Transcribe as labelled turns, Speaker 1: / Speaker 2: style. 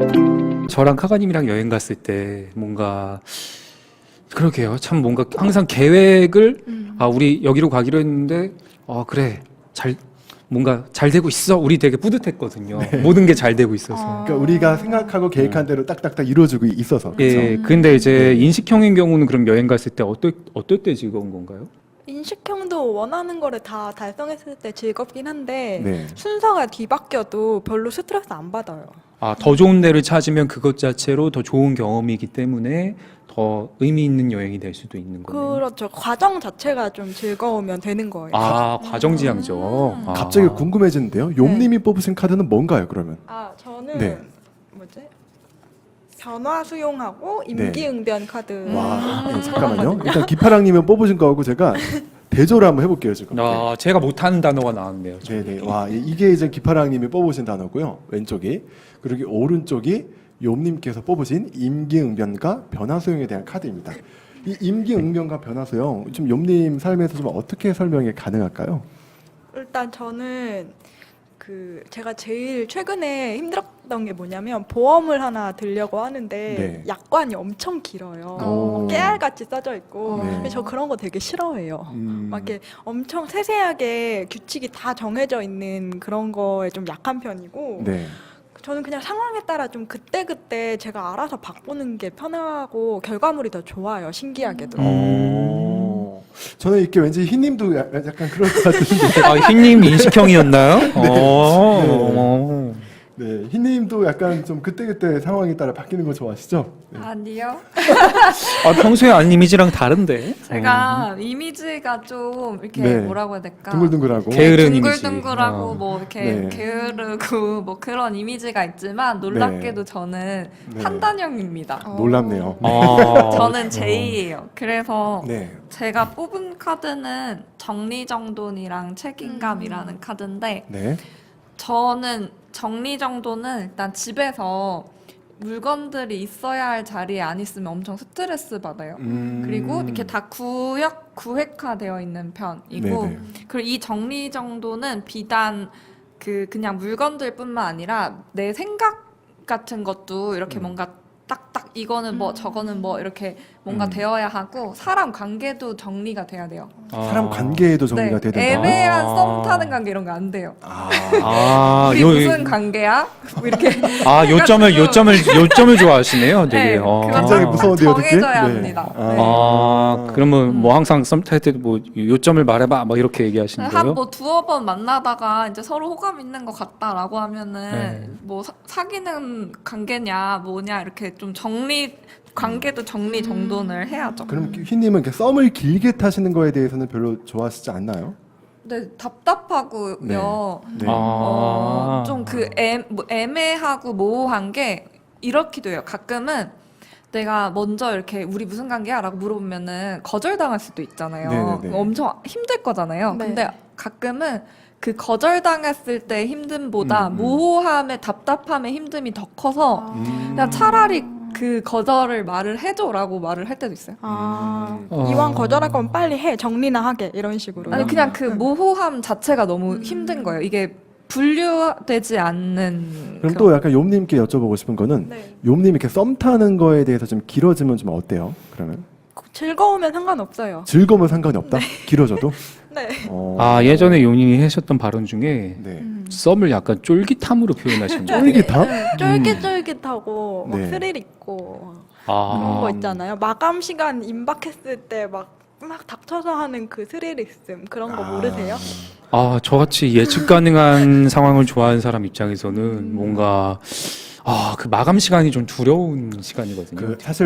Speaker 1: 저랑 카가님이랑 여행 갔을 때 뭔가 그러게요. 참 뭔가 항상 계획을 우리 여기로 가기로 했는데 그래 뭔가 잘 되고 있어. 우리 되게 뿌듯했거든요. 모든 게 잘 되고 있어서.
Speaker 2: 그러니까 우리가 생각하고 계획한 대로 딱딱딱 이루어지고 있어서.
Speaker 1: 예. 근데 이제 인식형인 경우는 그럼 여행 갔을 때 어떨 때 즐거운 건가요?
Speaker 3: 인식형도 원하는 거를 다 달성했을 때 즐겁긴 한데
Speaker 2: 네.
Speaker 3: 순서가 뒤바뀌어도 별로 스트레스 안 받아요.
Speaker 1: 더 좋은 데를 찾으면 그것 자체로 더 좋은 경험이기 때문에 더 의미 있는 여행이 될 수도 있는 거네요.
Speaker 3: 그렇죠. 과정 자체가 좀 즐거우면 되는 거예요.
Speaker 1: 과정지향적.
Speaker 2: 갑자기 궁금해지는데요. 욤님이 뽑으신 카드는 뭔가요, 그러면?
Speaker 3: 저는
Speaker 2: 네.
Speaker 3: 뭐지? 변화 수용하고 임기응변 카드.
Speaker 2: 와, 잠깐만요. 일단 기파랑님은 뽑으신 거하고 제가 대조를 한번 해볼게요, 지금.
Speaker 1: 제가 못하는 단어가 나왔네요.
Speaker 2: 네네. 와, 이게 이제 기파랑님이 뽑으신 단어고요. 왼쪽이. 그리고 오른쪽이 욤님께서 뽑으신 임기응변과 변화수용에 대한 카드입니다. 이 임기응변과 변화수용, 좀 욤님 삶에서 좀 어떻게 설명이 가능할까요?
Speaker 3: 일단 저는 제가 제일 최근에 힘들었던 게 뭐냐면 보험을 하나 들려고 하는데
Speaker 2: 네.
Speaker 3: 약관이 엄청 길어요.
Speaker 2: 오.
Speaker 3: 깨알같이 써져 있고.
Speaker 2: 네.
Speaker 3: 근데 저 그런 거 되게 싫어해요.
Speaker 2: 음.
Speaker 3: 막 이렇게 엄청 세세하게 규칙이 다 정해져 있는 그런 거에 좀 약한 편이고
Speaker 2: 네.
Speaker 3: 저는 그냥 상황에 따라 좀 그때그때 제가 알아서 바꾸는 게 편하고 결과물이 더 좋아요. 신기하게도.
Speaker 2: 저는 이렇게 왠지 흰님도 약간 그럴 것 같은데.
Speaker 1: 흰님 인식형이었나요?
Speaker 2: 네, 흰님도 약간 좀 그때그때 상황에 따라 바뀌는 거 좋아하시죠? 네.
Speaker 4: 아니요.
Speaker 1: 평소에 아닌 이미지랑 다른데.
Speaker 4: 제가 이미지가 좀 이렇게
Speaker 2: 네.
Speaker 4: 뭐라고 해야 될까?
Speaker 2: 둥글둥글하고.
Speaker 1: 게으른 이미지.
Speaker 4: 둥글둥글하고 뭐 이렇게
Speaker 2: 네.
Speaker 4: 게으르고 뭐 그런 이미지가 있지만 놀랍게도 저는
Speaker 2: 네.
Speaker 4: 판단형입니다.
Speaker 2: 놀랍네요.
Speaker 4: 저는 J예요. 그래서
Speaker 2: 네.
Speaker 4: 제가 뽑은 카드는 정리정돈이랑 책임감이라는 카드인데
Speaker 2: 네.
Speaker 4: 저는 정리정돈은 일단 집에서 물건들이 있어야 할 자리에 안 있으면 엄청 스트레스 받아요. 그리고 이렇게 다 구획화되어 있는 편이고,
Speaker 2: 네네.
Speaker 4: 그리고 이 정리정돈은 비단 그냥 물건들뿐만 아니라 내 생각 같은 것도 이렇게 뭔가 딱딱 이거는 뭐 저거는 뭐 이렇게 뭔가 되어야 하고 사람 관계도 정리가 돼야 돼요.
Speaker 2: 사람 관계에도 정리가
Speaker 4: 네,
Speaker 2: 되든가.
Speaker 4: 애매한 썸 타는 관계 이런 거 안 돼요. 우리
Speaker 1: 요-
Speaker 4: 무슨 관계야? 뭐 이렇게
Speaker 1: 요점을 좋아하시네요. 되게.
Speaker 4: 네, 그건
Speaker 2: 굉장히 무서운데요, 듣기?
Speaker 4: 정해져야
Speaker 2: 네.
Speaker 4: 합니다.
Speaker 1: 그러면 뭐 항상 썸 탈 때도 뭐 요점을 말해봐, 뭐 이렇게 얘기하시는 거예요?
Speaker 4: 한 뭐 두어 번 만나다가 이제 서로 호감 있는 것 같다라고 하면은
Speaker 1: 네.
Speaker 4: 뭐 사귀는 관계냐 뭐냐 이렇게 좀 관계도 정리 정돈을 해야죠.
Speaker 2: 그럼 흰님은 이렇게 썸을 길게 타시는 거에 대해서는 별로 좋아하시지 않나요?
Speaker 4: 근데 답답하고요.
Speaker 2: 네.
Speaker 4: 좀 애매하고 모호한 게 이렇기도 해요. 가끔은 내가 먼저 이렇게 우리 무슨 관계야? 라고 물어보면은 거절당할 수도 있잖아요.
Speaker 2: 네네네.
Speaker 4: 엄청 힘들 거잖아요.
Speaker 3: 네.
Speaker 4: 근데 가끔은 그 거절당했을 때 힘듦보다 모호함의 답답함의 힘듦이 더 커서 그냥 차라리 그 거절을 말을 해줘라고 말을 할 때도 있어요.
Speaker 3: 이왕 거절할 거면 빨리 해. 정리나 하게. 이런 식으로.
Speaker 4: 아니 그냥 그 모호함 자체가 너무 힘든 거예요. 이게 분류되지 않는
Speaker 2: 그럼 또 약간 욤님께 여쭤보고 싶은 거는
Speaker 3: 네.
Speaker 2: 욤님 이렇게 썸 타는 거에 대해서 좀 길어지면 좀 어때요? 그러면
Speaker 3: 즐거우면 상관없어요.
Speaker 2: 즐거우면 상관이 없다? 길어져도?
Speaker 3: 네.
Speaker 1: 예전에 용인이 하셨던 발언 중에
Speaker 2: 네.
Speaker 1: 썸을 약간 쫄깃함으로 표현하신 거예요.
Speaker 2: 쫄깃함?
Speaker 3: 쫄깃쫄깃하고 막
Speaker 2: 네.
Speaker 3: 스릴 있고 그런 거 있잖아요. 마감 시간 임박했을 때 막 닥쳐서 하는 그 스릴 있음 그런 거 모르세요?
Speaker 1: 저같이 예측 가능한 상황을 좋아하는 사람 입장에서는 뭔가 그 마감 시간이 좀 두려운 시간이거든요.
Speaker 2: 사실